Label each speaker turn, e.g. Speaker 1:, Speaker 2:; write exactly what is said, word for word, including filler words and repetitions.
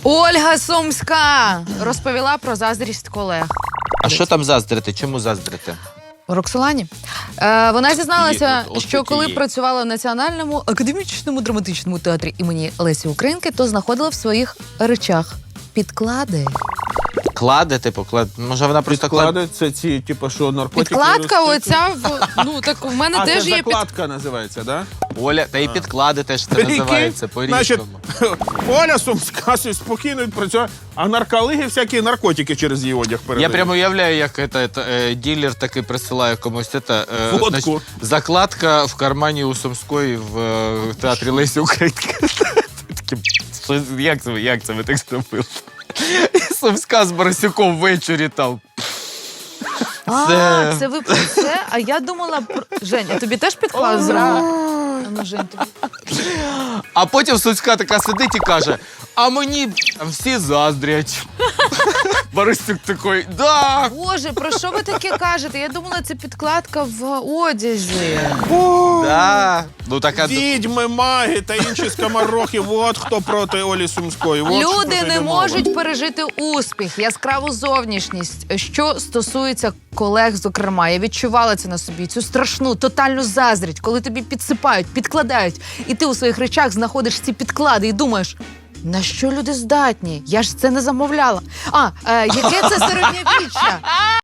Speaker 1: Ольга Сумська розповіла про заздрість колег.
Speaker 2: А що там заздрити? Чому заздрити?
Speaker 1: Роксолані. Е, вона зізналася,
Speaker 2: От- от
Speaker 1: що коли
Speaker 2: такі.
Speaker 1: працювала в Національному академічному драматичному театрі імені Лесі Українки, то знаходила в своїх речах підклади.
Speaker 2: Кладе, типу, клад... Може вона просто клад...
Speaker 3: Підклади, це ці, типу, що наркотики...
Speaker 1: Підкладка
Speaker 3: розточують?
Speaker 1: оця, в, ну так в мене
Speaker 3: А, це
Speaker 1: теж є під...
Speaker 3: закладка називається, да?
Speaker 2: Оля, та і підклади теж це
Speaker 3: Прикинь?
Speaker 2: називається
Speaker 3: Значить,
Speaker 2: по-різному.
Speaker 3: Оля Сумська собі спокійно відпрацює, а нарколиги всякі наркотики через її одяг передають.
Speaker 2: Я прямо уявляю, як это, это, е, ділер таки присилає комусь это, е,
Speaker 3: Фотку.
Speaker 2: значить, закладка в кармані у Сумської в е, театрі Лесі Українки. Такі, що, як, це, ви- як це ви так зробили? І Сумська з Борисюком ввечері там.
Speaker 1: А,
Speaker 2: Це-
Speaker 1: це ви про це? А я думала про... Жень, а тобі теж підклад зробили? А ну, Жень, тобі...
Speaker 2: А потім Сумська така сидить і каже, а мені там всі заздрять. Борисюк такий, да.
Speaker 1: Боже, про що ви таке кажете? Я думала, це підкладка в одязі.
Speaker 2: Да. Ну, така...
Speaker 3: Відьми, маги та інші скоморохи, от хто проти Олі Сумської. От що
Speaker 1: Люди
Speaker 3: тут
Speaker 1: не
Speaker 3: йде мова.
Speaker 1: можуть пережити успіх, яскраву зовнішність. Що стосується колег, зокрема, я відчувала це на собі, цю страшну, тотальну заздрість, коли тобі підсипають, підкладають, і ти у своїх речах знаходиш ці підклади і думаєш, на що люди здатні? Я ж це не замовляла. А, е, яке це середньовіччя?